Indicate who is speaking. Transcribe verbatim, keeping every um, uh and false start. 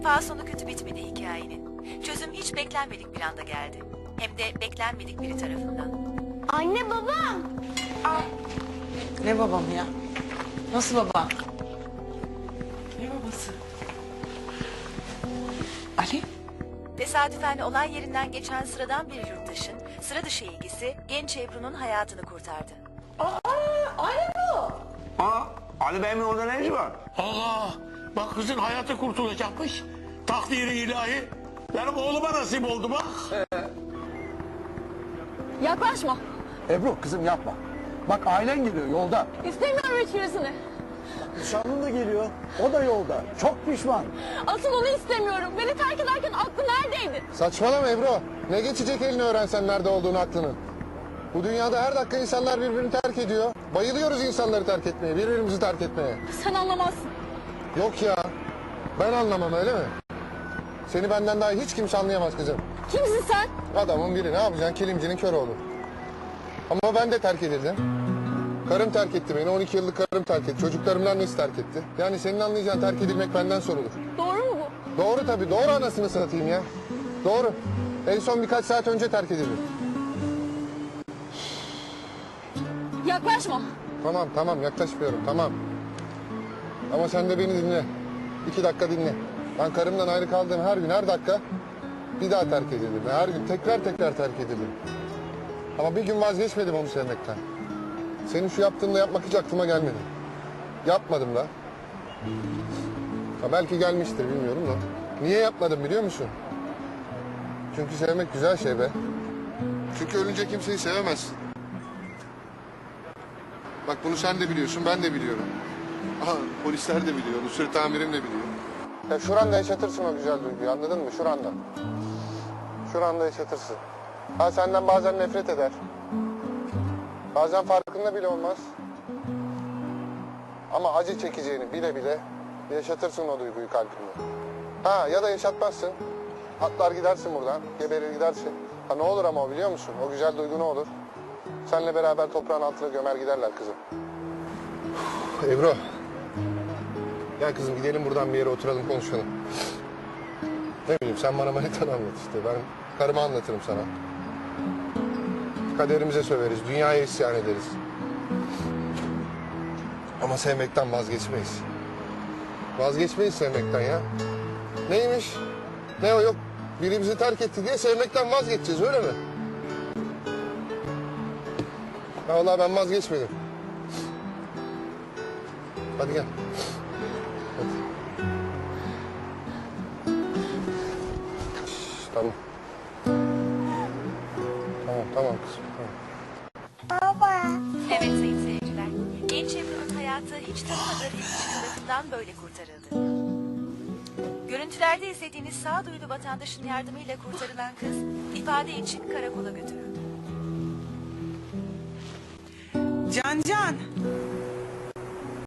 Speaker 1: defa sonu kötü bitmedi hikayenin. Çözüm hiç beklenmedik bir anda geldi. Hem de beklenmedik biri tarafından.
Speaker 2: Anne babam.
Speaker 3: Ne babam ya? Nasıl baba? Ne babası? Ali?
Speaker 1: Tesadüfen olay yerinden geçen sıradan bir yurttaşın sıra dışı ilgisi genç Ebru'nun hayatını kurtardı.
Speaker 4: Aa, Ali Bey'in orada ne işi var?
Speaker 5: Allah! Bak kızın hayatı kurtulacakmış. Takdiri ilahi. Benim oğluma nasip oldu bak.
Speaker 2: Yaklaşma.
Speaker 6: Ebru kızım yapma. Bak ailen geliyor yolda.
Speaker 2: İstemiyorum hiçbirisini.
Speaker 6: Nişanlın da geliyor. O da yolda. Çok pişman.
Speaker 2: Asıl onu istemiyorum. Beni terk ederken aklı neredeydi?
Speaker 7: Saçmalama Ebru. Ne geçecek eline öğrensen nerede olduğunu aklının. Bu dünyada her dakika insanlar birbirini terk ediyor. Bayılıyoruz insanları terk etmeye, birbirimizi terk etmeye.
Speaker 2: Sen anlamazsın.
Speaker 7: Yok ya. Ben anlamam öyle mi? Seni benden daha hiç kimse anlayamaz kızım.
Speaker 2: Kimsin sen?
Speaker 7: Adamın biri ne yapacaksın? Kilimcinin kör oğlu. Ama ben de terk edildim. Karım terk etti beni. on iki yıllık karım terk etti. Çocuklarımın annesi terk etti. Yani senin anlayacağın terk edilmek benden sorulur.
Speaker 2: Doğru mu bu?
Speaker 7: Doğru tabii. Doğru anasını satayım ya. Doğru. En son birkaç saat önce terk edildim.
Speaker 2: Yaklaşma.
Speaker 7: Tamam tamam yaklaşmıyorum tamam. Ama sen de beni dinle. İki dakika dinle. Ben karımdan ayrı kaldığım her gün her dakika bir daha terk edildim. Her gün tekrar tekrar terk edildim. Ama bir gün vazgeçmedim onu sevmekten. Senin şu yaptığını yapmak hiç aklıma gelmedi. Yapmadım da. Ha belki gelmiştir bilmiyorum da. Niye yapmadım biliyor musun? Çünkü sevmek güzel şey be. Çünkü ölünce kimseyi sevemezsin. Bak bunu sen de biliyorsun, ben de biliyorum. Aha, polisler de biliyor, Nusret amirim de biliyor. Ya şuranda yaşatırsın o güzel duyguyu, anladın mı? Şuranda. Şuranda yaşatırsın. Ha senden bazen nefret eder. Bazen farkında bile olmaz. Ama acı çekeceğini bile bile yaşatırsın o duyguyu kalbinde. Ha ya da yaşatmazsın. Atlar gidersin buradan, geberir gidersin. Ha ne olur ama o biliyor musun? O güzel duygu ne olur? Seninle beraber toprağın altına gömer giderler kızım. Uf, Ebru. Gel kızım gidelim buradan bir yere oturalım konuşalım. Ne bileyim sen bana manitanı anlat işte. Ben karımı anlatırım sana. Kaderimize söveriz, dünyaya isyan ederiz. Ama sevmekten vazgeçmeyiz. Vazgeçmeyiz sevmekten ya. Neymiş? Ne o yok? Birimizi terk etti diye sevmekten vazgeçeceğiz öyle mi? Ya vallahi ben vazgeçmedim. Hadi gel. Hadi. Şş, tamam. Tamam tamam kızım. Tamam.
Speaker 1: Evet sayın seyirciler, genç Ebru'nun hayatı hiç tanımadığı bir kişi tarafından böyle kurtarıldı. Görüntülerde izlediğiniz sağduyulu vatandaşın yardımıyla kurtarılan kız ifade için karakola götürüldü.
Speaker 3: Can Can.